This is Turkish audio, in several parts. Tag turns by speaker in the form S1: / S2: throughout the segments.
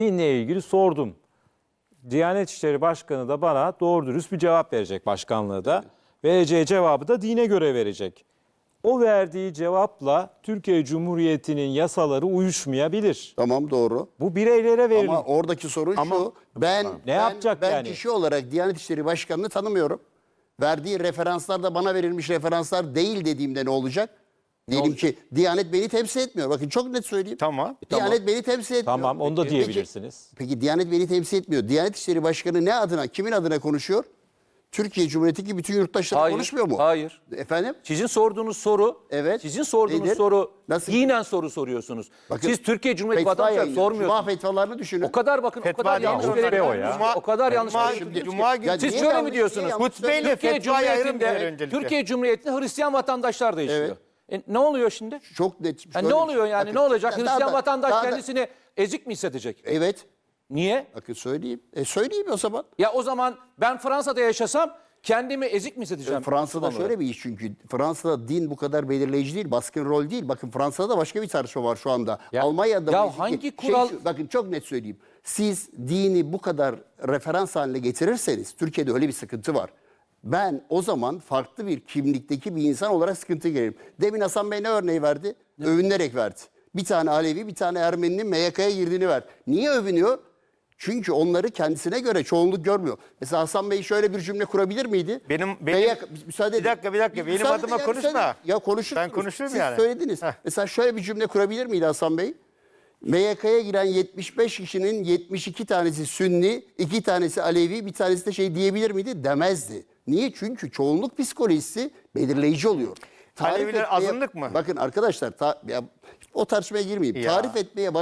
S1: dinle ilgili sordum. Diyanet İşleri Başkanı da bana doğru dürüst bir cevap verecek, başkanlığı da. Vereceği cevabı da dine göre verecek. O verdiği cevapla Türkiye Cumhuriyeti'nin yasaları uyuşmayabilir.
S2: Tamam, doğru.
S1: Bu bireylere verilir.
S2: Ama oradaki sorun şu.
S1: Ne yapacak
S2: ben
S1: yani?
S2: kişi olarak Diyanet İşleri Başkanı'nı tanımıyorum. Verdiği referanslar da bana verilmiş referanslar değil dediğimde ne olacak? Diyelim ki Diyanet beni temsil etmiyor. Bakın çok net söyleyeyim.
S3: Tamam.
S2: Diyanet beni temsil etmiyor.
S1: Tamam, onu da
S2: Peki-
S1: diyebilirsiniz.
S2: Peki Diyanet beni temsil etmiyor. Diyanet İşleri Başkanı ne adına, kimin adına konuşuyor? Türkiye Cumhuriyeti'ndeki bütün yurttaşlar konuşmuyor mu?
S4: Hayır.
S2: Efendim?
S4: Sizin sorduğunuz soru,
S2: Evet.
S4: sizin sorduğunuz
S2: Nedir?
S4: soru
S2: Nasıl?
S4: dinen soru soruyorsunuz.
S2: Bakın,
S4: Siz Türkiye Cumhuriyeti
S2: fetva
S4: vatandaşları
S2: yayınlıyor. Cuma
S4: sormuyorsunuz.
S2: fetvalarını düşünün.
S4: O kadar bakın, o
S3: Fetva
S4: kadar
S3: değil,
S4: yanlış
S3: hutbe
S4: verilen-
S1: o ya.
S4: O kadar yanlış
S3: Cuma-
S4: verilen-
S3: Cuma günü-
S2: Ya
S4: Siz
S2: niye
S4: şöyle
S2: yanlış,
S4: mi diyorsunuz?
S2: niye yanlış
S3: Hutbeyle
S2: söylüyorsun?
S4: Türkiye
S3: fetvayı ayırın diyor
S4: Cumhuriyeti'nde,
S3: öncelikle.
S4: Türkiye Cumhuriyeti'nde Hristiyan vatandaşlar da yaşıyor. Ne oluyor şimdi?
S2: Çok net.
S4: Ha,
S2: şöyle
S4: ne
S2: bir
S4: oluyor
S2: şey.
S4: yani?
S2: Bakın,
S4: Ne olacak?
S2: daha
S4: Hristiyan
S2: da-
S4: vatandaş
S2: daha da-
S4: kendisini ezik mi hissedecek?
S2: Evet.
S4: Niye?
S2: Bakın söyleyeyim. Söyleyeyim o zaman.
S4: Ya o zaman ben Fransa'da yaşasam kendimi ezik mi hissedeceğim?
S2: Fransa'da
S4: Müslüman
S2: şöyle bir iş çünkü. Fransa'da din bu kadar belirleyici değil, baskın rol değil. Bakın Fransa'da da başka bir tartışma var şu anda.
S4: Ya-
S2: Almanya'da
S4: ya
S2: bu
S4: hangi kural-
S2: bakın çok net söyleyeyim. Siz dini bu kadar referans haline getirirseniz, Türkiye'de öyle bir sıkıntı var. Ben o zaman farklı bir kimlikteki bir insan olarak sıkıntı girerim. Demin Hasan Bey ne örneği verdi? Övünerek verdi. Bir tane Alevi, bir tane Ermeninin MYK'ya girdiğini ver. Niye övünüyor? Çünkü onları kendisine göre çoğunluk görmüyor. Mesela Hasan Bey şöyle bir cümle kurabilir miydi? Müsaade edin.
S3: Bir dakika. Benim
S2: Müsaade
S3: adıma
S2: edin,
S3: konuşma.
S2: müsaade edin. Ya konuşursunuz.
S3: Ben konuşurum
S2: Siz
S3: yani.
S2: söylediniz.
S3: Heh.
S2: Mesela şöyle bir cümle kurabilir miydi Hasan Bey? MYK'ya giren 75 kişinin 72 tanesi Sünni, 2 tanesi Alevi, bir tanesi de şey diyebilir miydi? Demezdi. Niye? Çünkü çoğunluk psikolojisi belirleyici oluyor.
S3: Aleviler azınlık mı?
S2: Bakın arkadaşlar o tartışmaya girmeyeyim.
S3: Ya.
S2: Tarif etmeye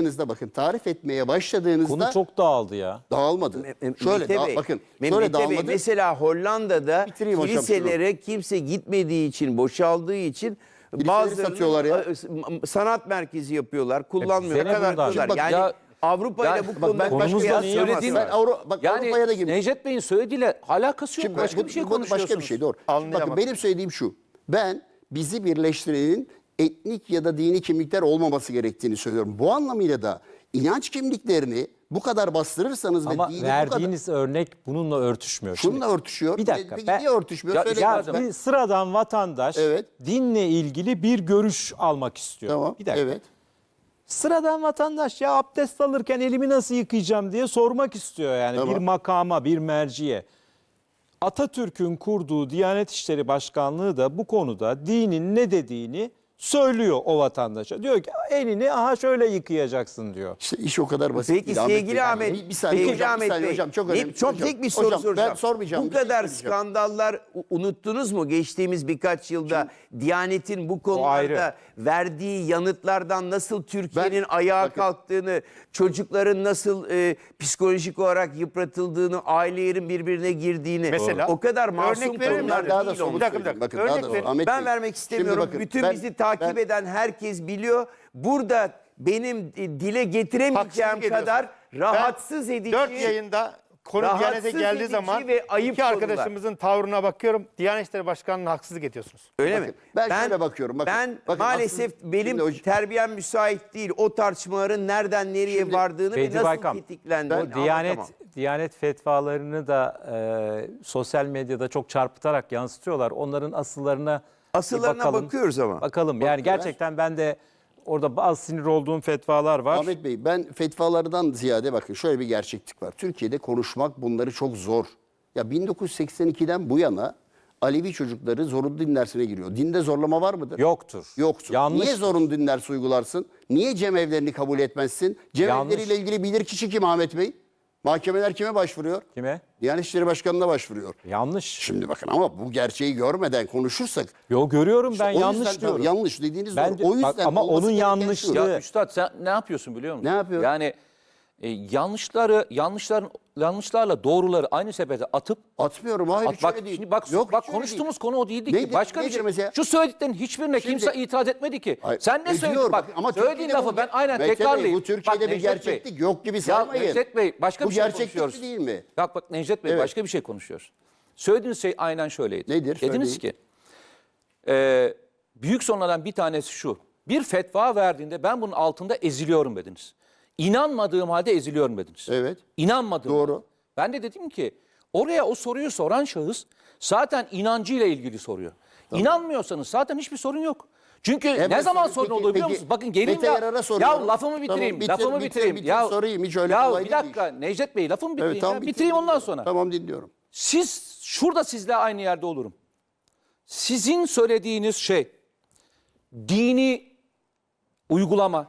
S2: başladığınızda
S1: Konu çok dağıldı ya.
S2: dağılmadı. Şöyle
S5: Mehmet Bey,
S2: bakın
S5: Mehmet
S2: şöyle
S5: Bey,
S2: dağılmadı.
S5: mesela Hollanda'da
S2: Bitireyim hocam
S5: kiliselere kimse gitmediği için, boşaldığı için
S2: Kiliseleri satıyorlar ya.
S5: sanat merkezi yapıyorlar, kullanmıyor.
S1: bize ne bundan?
S5: Yapıyorlar.
S1: Şimdi
S4: bak
S5: Yani
S4: ya-
S5: Avrupa ile
S4: Ya
S5: bu
S4: bak
S5: konuda
S1: konumuzla
S5: kıyas
S1: niye
S5: yapamazsın.
S1: yapıyorsun?
S2: Avrupa'ya da girdim.
S4: Necdet Bey'in söylediğiyle alakası yok. Başka bir şey konuşuyorsunuz.
S2: Başka bir şey doğru. Şimdi
S3: Anlayamadım.
S2: bakın benim söylediğim şu. Ben bizi birleştirenin etnik ya da dini kimlikler olmaması gerektiğini söylüyorum. Bu anlamıyla da inanç kimliklerini bu kadar bastırırsanız
S1: Ama
S2: ve dini bu
S1: verdiğiniz örnek bununla örtüşmüyor.
S2: kadar şununla örtüşüyor.
S1: Bir dakika,
S2: Peki
S1: ben-
S2: niye örtüşmüyor?
S4: Ya-
S2: Söyleyin
S1: Ya
S2: lütfen.
S1: bir sıradan vatandaş
S2: Evet.
S1: dinle ilgili bir görüş almak istiyor.
S2: Tamam.
S1: Bir dakika.
S2: Evet.
S1: Sıradan vatandaş ya abdest alırken elimi nasıl yıkayacağım diye sormak istiyor yani
S2: Tamam.
S1: bir makama, bir merciye. Atatürk'ün kurduğu Diyanet İşleri Başkanlığı da bu konuda dinin ne dediğini söylüyor o vatandaşa. Diyor ki elini şöyle yıkayacaksın diyor.
S2: İşte iş o kadar basit
S5: Peki
S2: değil Ahmet
S5: sevgili
S2: Bey.
S5: Ahmet,
S2: Bir saniye
S5: peki
S2: hocam,
S5: Ahmet
S2: bir saniye
S5: Bey,
S2: hocam, çok önemli.
S5: çok
S2: Hocam,
S5: tek bir soru
S2: hocam,
S5: soracağım.
S2: Ben sormayacağım.
S5: Bu
S2: bir şey
S5: kadar
S2: söyleyeceğim.
S5: skandallar unuttunuz mu geçtiğimiz birkaç yılda Diyanet'in bu konularda
S1: ayrı.
S5: verdiği yanıtlardan nasıl Türkiye'nin
S2: Ben-
S5: ayağa
S2: bakın.
S5: kalktığını, çocukların nasıl psikolojik olarak yıpratıldığını, ailelerin birbirine girdiğini,
S3: Mesela?
S5: o kadar masum
S3: Örnek verir
S5: konular
S3: misin?
S2: Daha da
S5: değil
S2: somut
S5: onlar.
S3: Bir dakika,
S2: söyleyeyim. Bakın,
S3: örnek
S2: daha da
S3: verin.
S2: Ahmet
S5: Ben
S2: Bey.
S5: vermek
S2: Şimdi
S5: istemiyorum.
S2: bakın,
S5: Bütün
S2: ben-
S5: bizi takip
S2: ben-
S5: eden herkes biliyor. Burada benim dile getiremeyeceğim
S3: Haksızlık
S5: kadar
S3: ediyorsun.
S5: rahatsız edici.
S3: 4 yayında konu
S5: rahatsız
S3: Diyanet'e geldiği
S5: edici
S3: zaman
S5: ve ayıp
S3: iki
S5: konular.
S3: arkadaşımızın tavrına bakıyorum. Diyanet İşleri Başkanı'na haksızlık ediyorsunuz.
S5: Öyle
S2: Bakın,
S5: mi?
S2: ben şöyle bakıyorum, bakın.
S5: Ben
S2: Bakın,
S5: maalesef
S2: aslında
S5: benim
S2: şimdi
S5: terbiyem müsait değil. O tartışmaların nereden nereye
S2: Şimdi
S5: vardığını ve
S1: Bedri
S5: nasıl
S1: Baykam,
S5: tetiklendiğini
S1: Diyanet
S5: anlatamam.
S1: Diyanet fetvalarını da sosyal medyada çok çarpıtarak yansıtıyorlar. Onların asıllarına bir
S5: Asıllarına
S1: bakalım.
S5: bakıyoruz ama.
S1: Bakalım. Yani gerçekten ben de orada bazı sinir olduğum fetvalar var.
S2: Ahmet Bey, ben fetvalardan ziyade bakın şöyle bir gerçeklik var. Türkiye'de konuşmak bunları çok zor. Ya 1982'den bu yana Alevi çocukları zorunlu din dersine giriyor. Dinde zorlama var mıdır?
S1: Yoktur.
S2: Yoktur.
S1: Yanlış.
S2: Niye zorunlu din dersi uygularsın? Niye cemevlerini kabul etmezsin? Cemevleriyle ilgili bilirkişi kim Ahmet Bey? Mahkemeler kime başvuruyor?
S1: Kime?
S2: Diyanet İşleri Başkanı'na başvuruyor.
S1: Yanlış.
S2: Şimdi bakın ama bu gerçeği görmeden konuşursak
S1: Yo görüyorum ben
S2: o
S1: yanlış
S2: yüzden,
S1: diyorum.
S2: yanlış dediğiniz
S1: Bence-
S2: doğru. O yüzden
S1: bak, ama
S2: olması
S1: onun
S2: gereken
S1: yanlışlığı-
S2: şu.
S4: Ya Üstad sen ne yapıyorsun biliyor musun?
S2: Ne yapıyorum?
S4: Yani yanlışlarla doğruları aynı sepete atıp
S2: Atmıyorum. Hayır hiç
S4: bak
S2: öyle değil.
S4: şimdi bak
S2: Yok,
S4: bak
S2: hiç öyle
S4: konuştuğumuz
S2: değil.
S4: konu o değildi
S2: Nedir-
S4: ki. Başka bir
S2: nedir
S4: şey.
S2: mesela?
S4: Şu söylediklerin hiçbirine
S2: Şimdi-
S4: kimse itiraz etmedi ki.
S2: Hayır,
S4: Sen ne
S2: ediyor
S4: söyledin? Bak
S2: ama
S4: söylediğin
S2: Türkiye'de
S4: lafı ben aynen
S2: Mete Bey,
S4: tekrarlayayım.
S2: bu Türkiye'de bir
S4: Necdet Bey,
S2: gerçeklik yok gibi
S4: Ya
S2: saymayın.
S4: Necdet Bey başka
S2: Bu
S4: bir şey
S2: gerçeklik
S4: konuşuyoruz.
S2: değil mi?
S4: Bak Necdet Bey
S2: Evet.
S4: başka bir şey konuşuyoruz. Söylediğiniz şey aynen şöyleydi.
S2: Nedir?
S4: Dediniz
S2: Söyleyin.
S4: ki büyük sorunlardan bir tanesi şu. Bir fetva verdiğinde ben bunun altında eziliyorum dediniz. İnanmadığım halde eziliyorum dediniz.
S2: Evet.
S4: İnanmadım.
S2: Doğru.
S4: Ben de dedim ki oraya o soruyu soran şahıs zaten inancıyla ilgili soruyor. İnanmıyorsanız zaten hiçbir sorun yok. Çünkü ne
S2: ben
S4: zaman
S2: sorayım.
S4: sorun
S2: Peki,
S4: oluyor biliyor
S2: peki,
S4: musunuz? Bakın gelin
S2: Mete Yarar'a
S4: ya
S2: soruyorum.
S4: lafımı bitireyim.
S2: Tamam,
S4: lafımı bitireyim.
S2: bitir, sorayım. Hiç öyle kolay
S4: bir
S2: değil
S4: dakika Necdet Bey lafımı bitireyim.
S2: Evet, tamam,
S4: Bitireyim ondan sonra.
S2: Tamam, dinliyorum.
S4: Şurada sizle aynı yerde olurum. Sizin söylediğiniz şey dini uygulama,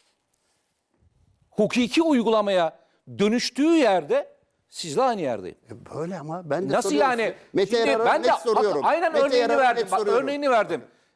S4: hukuki uygulamaya dönüştüğü yerde sizle aynı yerdeyim.
S2: Böyle ama ben de
S4: Nasıl
S2: soruyorum
S4: yani?
S2: size. Mete
S4: Şimdi
S2: Yarar'a
S4: ben de
S2: net soruyorum.
S4: aynen
S2: Mete
S4: örneğini
S2: Yarar'a
S4: verdim.
S2: net
S4: Bak,
S2: soruyorum.
S4: örneğini verdim.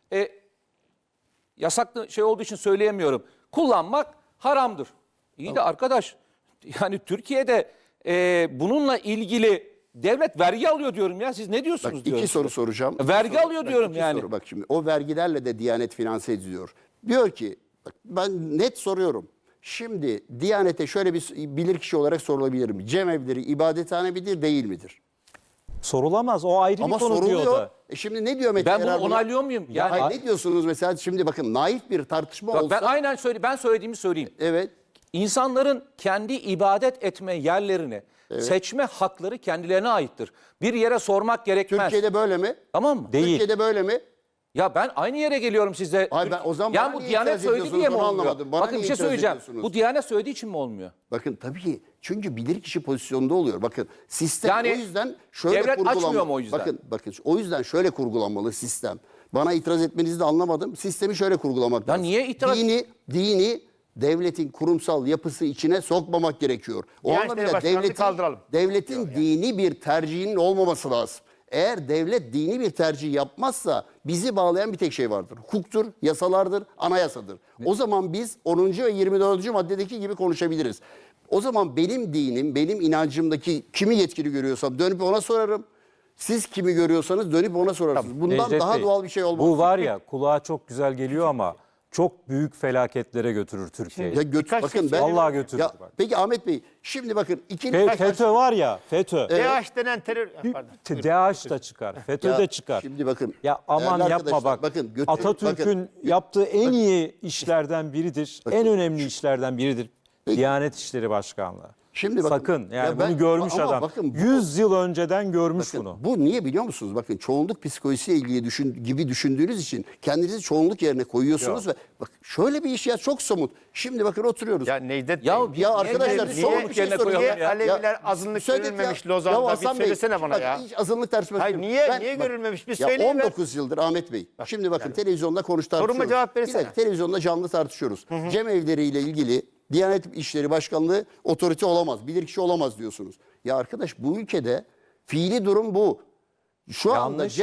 S4: Yasaklı şey olduğu için söyleyemiyorum. Kullanmak haramdır. İyi de arkadaş yani Türkiye'de bununla ilgili devlet vergi alıyor diyorum ya. Siz ne diyorsunuz
S2: Bak,
S4: diyorum.
S2: iki soru soracağım.
S4: Vergi
S2: İki soru.
S4: alıyor
S2: Bak,
S4: diyorum
S2: iki
S4: yani.
S2: soru. Bak şimdi o vergilerle de Diyanet finanse ediliyor. Diyor ki bak, ben net soruyorum. Şimdi Diyanet'e şöyle bir bilirkişi olarak sorulabilirim. Cemevleri ibadethane midir değil midir?
S1: Sorulamaz. O ayrı
S2: Ama
S1: bir konu diyor
S2: soruluyor.
S1: da.
S2: Şimdi ne diyor Mete
S4: Ben bunu
S2: Yarar buna?
S4: onaylıyor muyum?
S2: Ya
S4: Yani
S2: hayır, ne diyorsunuz mesela? Şimdi bakın naif bir tartışma
S4: bak,
S2: olsa.
S4: ben aynen ben söylediğimi söyleyeyim.
S2: Evet.
S4: İnsanların kendi ibadet etme yerlerini seçme hakları kendilerine aittir. Bir yere sormak gerekmez.
S2: Türkiye'de böyle mi?
S4: Tamam mı?
S1: Değil.
S2: Türkiye'de böyle mi?
S4: Ya ben aynı yere geliyorum sizle.
S2: Ay ben o zaman
S4: yani
S2: bana
S4: bu
S2: niye
S4: Diyanet
S2: itiraz
S4: söyledi
S2: ediyorsunuz?
S4: diye mi
S2: Onu
S4: olmuyor?
S2: anlamadım. Bana
S4: Bakın
S2: niye
S4: bir şey
S2: itiraz
S4: söyleyeceğim.
S2: ediyorsunuz?
S4: Bu Diyanet söylediği için mi olmuyor?
S2: Bakın tabii çünkü bilirkişi pozisyonunda oluyor. Bakın sistem
S4: Yani
S2: o yüzden şöyle
S4: devlet
S2: kurgulanmalı.
S4: açmıyor mu o yüzden?
S2: Bakın o yüzden şöyle kurgulanmalı sistem. Bana itiraz etmenizi de anlamadım. Sistemi şöyle kurgulamak lazım.
S4: niye itiraz-
S2: Dini devletin kurumsal yapısı içine sokmamak gerekiyor. O
S3: Diyanet
S2: anlamda
S3: Başkanlığı kaldıralım.
S2: devletin dini bir tercihinin olmaması lazım. Eğer devlet dini bir tercih yapmazsa bizi bağlayan bir tek şey vardır. Hukuktur, yasalardır, anayasadır. O zaman biz 10. ve 24. maddedeki gibi konuşabiliriz. O zaman benim dinim, benim inancımdaki kimi yetkili görüyorsam dönüp ona sorarım. Siz kimi görüyorsanız dönüp ona sorarsınız. Bundan
S1: Necdet
S2: daha
S1: Bey,
S2: doğal bir şey olmaz.
S1: Bu var ya kulağa çok güzel geliyor ama çok büyük felaketlere götürür Türkiye'yi.
S2: Ya bakın ben
S1: Vallahi götürür
S2: Ya,
S1: bak.
S2: peki Ahmet Bey, şimdi bakın ikili
S1: FETÖ var ya, FETÖ.
S3: DH denen terör... Pardon.
S1: DAEŞ da çıkar, FETÖ de çıkar.
S2: Şimdi bakın.
S1: Ya aman
S2: değerli
S1: yapma
S2: arkadaşlar,
S1: bak.
S2: bakın,
S1: Atatürk'ün yaptığı en iyi işlerden biridir. En önemli işlerden biridir. Diyanet İşleri Başkanlığı.
S2: Şimdi bakın,
S1: Sakın yani
S2: ya ben-
S1: bunu görmüş
S2: ama
S1: adam.
S2: bakın bu-
S1: 100 yıl önceden görmüş
S2: Bakın,
S1: bunu.
S2: bu niye biliyor musunuz? Bakın çoğunluk psikolojisiyle ilgili gibi düşündüğünüz için kendinizi çoğunluk yerine koyuyorsunuz ve bak şöyle bir iş ya çok somut. Şimdi bakın oturuyoruz.
S3: Ya Necdet
S4: Ya
S3: Bey,
S2: Ya arkadaşlar
S4: niye
S2: somut
S4: kendini
S2: bir şey
S4: yerine
S2: soracağım.
S4: koyalım
S3: niye
S4: ya?
S3: Aleviler azınlık
S2: Söyledik
S3: görülmemiş
S2: ya.
S3: Lozan'da? Bir
S2: Hasan Bey,
S3: söylesene bana
S2: bak,
S3: ya.
S2: Hiç azınlık tartışması
S3: Hayır,
S2: yok.
S3: niye görülmemiş? Bir
S2: ya
S3: söyleyin
S2: 19 yıldır Ahmet Bey. Şimdi bakın televizyonda tartışıyoruz.
S3: Soruma cevap
S2: Bir
S3: versene.
S2: dakika, televizyonda canlı tartışıyoruz. Cemevleriyle ilgili Diyanet İşleri Başkanlığı otorite olamaz, bilirkişi olamaz diyorsunuz. Ya arkadaş bu ülkede fiili durum bu. Şu anda
S1: Yanlış.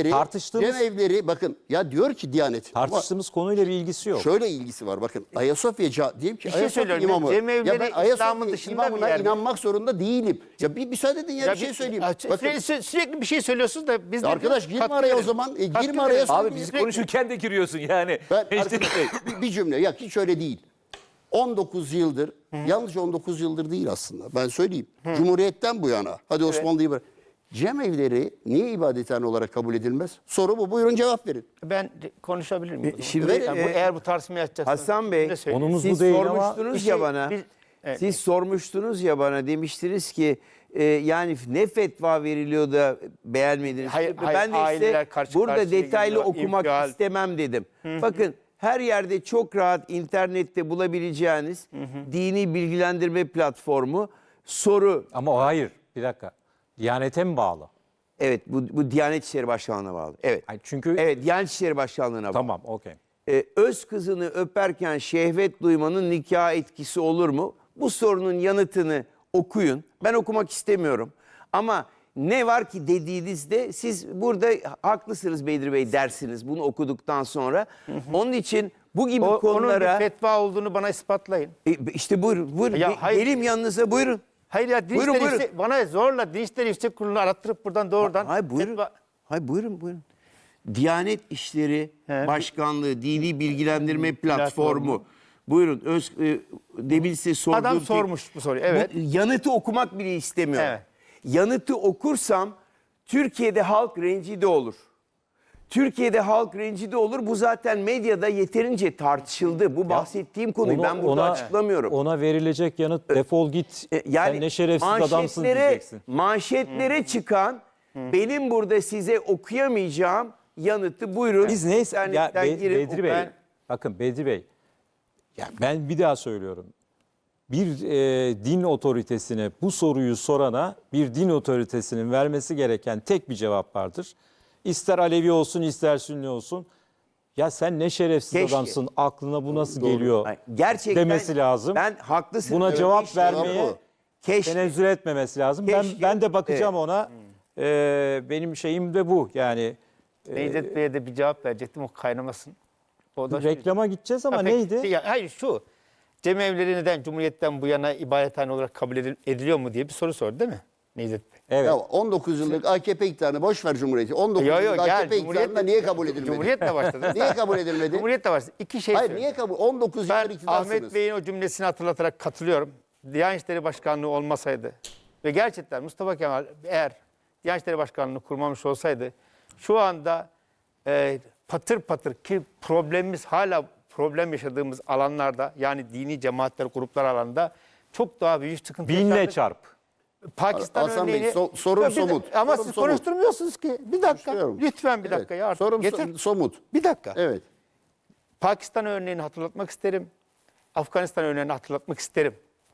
S2: cemevleri bakın ya diyor ki Diyanet. ama
S1: Tartıştığımız konuyla bir ilgisi yok.
S2: şöyle ilgisi var bakın. Ayasofya diyeyim ki
S3: Bir şey
S2: Ayasofya
S3: söylüyorum,
S2: imamı.
S3: cemevleri
S2: Ya ben Ayasofya
S3: İslam'ın dışında bir
S2: imamına
S3: yer mi?
S2: inanmak zorunda değilim. Ya bir müsaade edin ya, bir şey söyleyeyim. Bakın,
S3: Sürekli bir şey söylüyorsunuz da biz de
S2: arkadaş girme
S3: katkı
S2: araya o
S3: verin.
S2: zaman.
S3: Katkı
S2: Girme araya.
S3: verin.
S2: sonra
S4: Abi
S2: bir-
S4: biz konuşurken de giriyorsun yani.
S2: Ben
S4: Necdet
S2: arkadaş,
S4: Bey.
S2: bir cümle ya hiç öyle değil. 19 yıldır, yalnızca 19 yıldır değil aslında. Ben söyleyeyim. Cumhuriyetten bu yana. Hadi Osmanlı'yı bırak. Cemevleri niye ibadethane olarak kabul edilmez? Soru bu. Buyurun cevap verin.
S3: Ben konuşabilir miyim?
S5: Şimdi,
S3: Yani eğer bu tartışmayı açacaksanız.
S5: Hasan Bey,
S3: bir de söyleyeyim.
S1: Konumuz
S5: siz
S1: bu değil ama
S5: sormuştunuz
S3: bir şey-
S5: ya bana.
S3: evet.
S5: Siz sormuştunuz ya bana, demiştiniz ki yani ne fetva veriliyor da beğenmediniz.
S3: Hayır,
S5: Ben de
S3: aileler
S5: işte
S3: karşı
S5: burada
S3: karşıya
S5: detaylı
S3: geliyor,
S5: okumak
S3: infial.
S5: istemem dedim. Bakın her yerde çok rahat internette bulabileceğiniz dini bilgilendirme platformu soru.
S1: Ama o hayır. Bir dakika. Diyanete mi bağlı?
S5: Evet, bu Diyanet İşleri Başkanlığı'na bağlı. Evet.
S1: Ay, çünkü
S5: Evet, Diyanet İşleri Başkanlığı'na bağlı.
S1: tamam, okey.
S5: Öz kızını öperken şehvet duymanın nikah etkisi olur mu? Bu sorunun yanıtını okuyun. Ben okumak istemiyorum. Ama ne var ki dediğinizde siz burada haklısınız Bedri Bey dersiniz bunu okuduktan sonra. Onun için bu gibi
S3: Onun
S5: konulara
S3: bir fetva olduğunu bana ispatlayın.
S5: işte buyurun.
S3: Ya hayır.
S5: Geleyim yanınıza buyurun.
S3: Hayır ya
S5: Buyurun, buyurun.
S3: bana zorla Din İşleri Yüksek Kurulu'nu arattırıp buradan doğrudan
S5: Hayır buyurun. Hayır buyurun. Diyanet İşleri Başkanlığı Dini Bilgilendirme Platformu. Buyurun. Demin size sorduğum
S3: Adam sormuş bu soruyu. Evet.
S5: Bu yanıtı okumak bile istemiyorum.
S3: Evet.
S5: Yanıtı okursam Türkiye'de halk rencide olur. Türkiye'de halk rencide olur. Bu zaten medyada yeterince tartışıldı. Bu bahsettiğim konuyu ben burada açıklamıyorum.
S1: Ona verilecek yanıt defol git. Sen ne şerefsiz adamsın diyeceksin.
S5: Manşetlere çıkan benim burada size okuyamayacağım yanıtı buyurun.
S1: Biz neyse ya
S5: İnternetten girin,
S1: Bedri Bey. Bakın Bedri Bey. Ya ben bir daha söylüyorum. Bir din otoritesine bu soruyu sorana bir din otoritesinin vermesi gereken tek bir cevap vardır. İster Alevi olsun ister Sünni olsun. Ya sen ne şerefsiz
S5: Keşke.
S1: adamsın, aklına bu nasıl geliyor
S5: Hayır, gerçekten
S1: demesi lazım.
S5: Ben haklısın.
S1: Buna
S5: Evet,
S1: cevap
S5: işte
S1: vermeye
S5: bu. Keşke.
S1: tenezzül etmemesi lazım.
S5: Keşke.
S1: Ben de bakacağım ona. Benim şeyim de bu. Yani
S3: Necdet Bey'e de bir cevap verecektim, o kaynamasın. O da şu-
S1: reklama gideceğiz ama
S3: Ha, peki,
S1: neydi?
S3: hayır şu. Cemevleri neden Cumhuriyet'ten bu yana ibadethane olarak kabul ediliyor mu diye bir soru sordu değil mi Necdet Bey?
S1: Evet.
S2: Ya 19 yıllık AKP iktidarını boş ver Cumhuriyeti. 19 yıllık AKP iktidarında niye kabul edilmedi?
S3: Cumhuriyet'le başladı.
S2: Niye kabul edilmedi?
S3: Cumhuriyet'le başladı. İki şey
S2: Hayır
S3: söyleyeyim.
S2: niye kabul? 19
S3: Ben
S2: yıldır iktidarsınız.
S3: Ahmet Bey'in o cümlesini hatırlatarak katılıyorum. Diyanet İşleri Başkanlığı olmasaydı ve gerçekten Mustafa Kemal eğer Diyanet İşleri Başkanlığı'nı kurmamış olsaydı şu anda patır patır ki problemimiz hala problem yaşadığımız alanlarda yani dini cemaatler, gruplar alanında çok daha büyük sıkıntı
S1: Binle
S3: yaşardık.
S1: çarp.
S3: Pakistan
S2: Hasan Bey,
S3: örneğini...
S2: sorum
S3: Ya bir de-
S2: somut.
S3: Ama
S2: Sorum
S3: siz
S2: somut.
S3: konuşturmuyorsunuz ki. Bir dakika.
S2: Konuşturuyorum.
S3: Lütfen bir
S2: Evet.
S3: dakika ya. Artık.
S2: Sorum
S3: Yeter.
S2: somut.
S3: Bir dakika.
S2: Evet.
S3: Pakistan örneğini hatırlatmak isterim. Afganistan örneğini hatırlatmak isterim.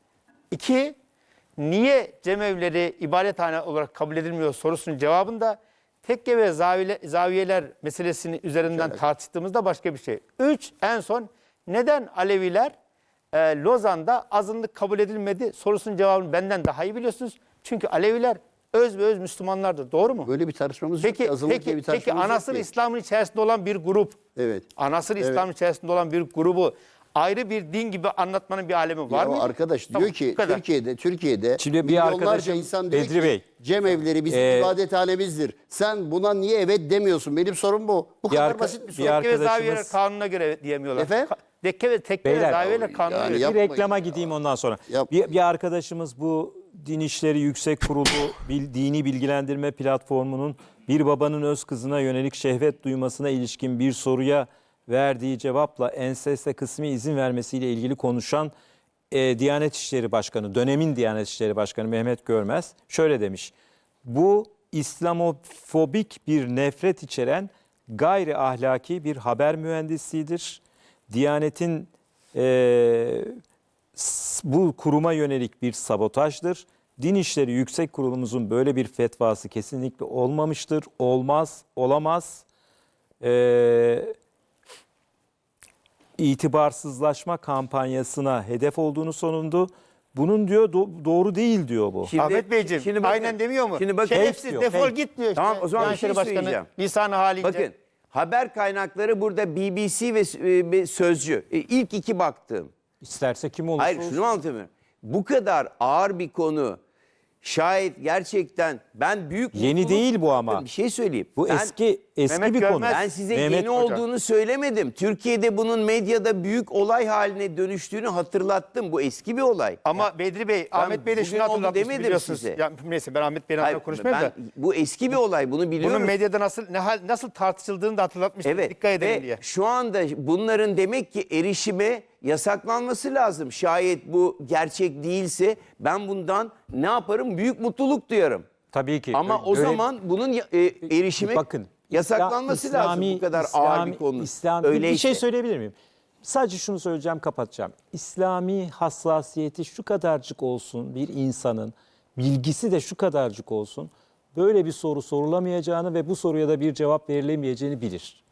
S3: İki, niye cemevleri ibadethane olarak kabul edilmiyor sorusunun cevabında tekke ve zaviyeler meselesini üzerinden tartıştığımızda başka bir şey. Üç, en son neden Aleviler Lozan'da azınlık kabul edilmedi sorusunun cevabını benden daha iyi biliyorsunuz. Çünkü Aleviler öz ve öz Müslümanlardır. Doğru mu?
S2: Böyle bir tartışmamız yok.
S3: Peki,
S2: Azınlık diye bir
S3: peki
S2: tartışmamız yok
S3: anasır
S2: ki.
S3: İslam'ın içerisinde olan bir grup,
S2: Evet.
S3: anasır İslam'ın içerisinde olan bir grubu ayrı bir din gibi anlatmanın bir alemi var
S2: Ya
S3: mı?
S2: arkadaş
S3: Tamam,
S2: diyor ki
S3: bu kadar.
S2: Türkiye'de
S1: Şimdi bir
S2: milyonlarca
S1: arkadaşım,
S2: insan diyor
S1: Bedri
S2: ki
S1: Bey,
S2: cemevleri bizim ibadethanemizdir. Sen buna niye evet demiyorsun? Benim sorum bu. Bu kadar basit bir soru.
S1: bir
S3: Tekke ve zaviyeler
S1: arkadaşımız-
S3: kanununa göre diyemiyorlar.
S2: Efendim?
S3: Tekke ve
S1: Beyler,
S3: zaviyeler kanununa
S2: yani
S3: göre.
S2: yap-
S1: Bir
S2: Yapmayın
S1: reklama
S2: ya.
S1: gideyim ondan sonra.
S2: Yapmayın.
S1: Bir arkadaşımız bu Din İşleri Yüksek Kurulu Dini Bilgilendirme Platformu'nun bir babanın öz kızına yönelik şehvet duymasına ilişkin bir soruya verdiği cevapla enseste kısmi izin vermesiyle ilgili konuşan Diyanet İşleri Başkanı, dönemin Diyanet İşleri Başkanı Mehmet Görmez şöyle demiş. Bu İslamofobik bir nefret içeren gayri ahlaki bir haber mühendisliğidir. Diyanet'in bu kuruma yönelik bir sabotajdır. Din İşleri Yüksek Kurulumuzun böyle bir fetvası kesinlikle olmamıştır. Olmaz, olamaz. İtibarsızlaşma kampanyasına hedef olduğunu sonundu. Bunun diyor doğru değil diyor bu.
S5: Şimdi-
S3: Ahmet Beyciğim
S5: şimdi bakın-
S3: aynen demiyor mu?
S5: şimdi bakın-
S3: Şerefsiz
S1: Fake diyor,
S3: defol
S1: fake.
S3: git diyor işte.
S5: Tamam, o zaman
S3: Diyanet
S5: bir şey
S3: İşleri Başkanı
S5: söyleyeceğim.
S3: lisanı halince.
S5: Bakın haber kaynakları burada BBC ve Sözcü. İlk iki baktığım.
S1: İsterse kim olursa
S5: Hayır
S1: olsun.
S5: şunu mu anlatamıyorum. Bu kadar ağır bir konu şayet gerçekten ben büyük
S1: Yeni
S5: mutluluk-
S1: değil bu ama.
S5: Bakın bir şey söyleyeyim.
S1: Bu
S5: Ben-
S1: eski
S3: Mehmet
S1: bir konu.
S3: Görmez-
S5: Ben size
S1: Mehmet
S5: yeni
S1: Hocam.
S5: olduğunu söylemedim. Türkiye'de bunun medyada büyük olay haline dönüştüğünü hatırlattım. Bu eski bir olay.
S3: Ama Bedri Bey, Ahmet Bey de
S5: bugün
S3: şunu
S5: oldu
S3: hatırlatmış
S5: demedim
S3: biliyorsunuz.
S5: size.
S3: Ya, neyse ben Ahmet Bey'in
S5: Hayır,
S3: adına konuşmayayım da.
S5: bu eski bir olay. Bunu biliyorum.
S3: Bunun medyada nasıl tartışıldığını da hatırlatmıştım.
S5: Evet.
S3: Dikkat edelim
S5: Ve
S3: diye.
S5: şu anda bunların demek ki erişime yasaklanması lazım. Şayet bu gerçek değilse ben bundan ne yaparım? Büyük mutluluk duyarım.
S1: Tabii ki.
S5: Ama o
S1: Görev-
S5: zaman bunun erişime
S1: bakın
S5: yasaklanması lazım bu kadar ağır bir konu.
S1: Bir şey söyleyebilir miyim? Sadece şunu söyleyeceğim, kapatacağım. İslami hassasiyeti şu kadarcık olsun bir insanın, bilgisi de şu kadarcık olsun, böyle bir soru sorulamayacağını ve bu soruya da bir cevap verilemeyeceğini bilir.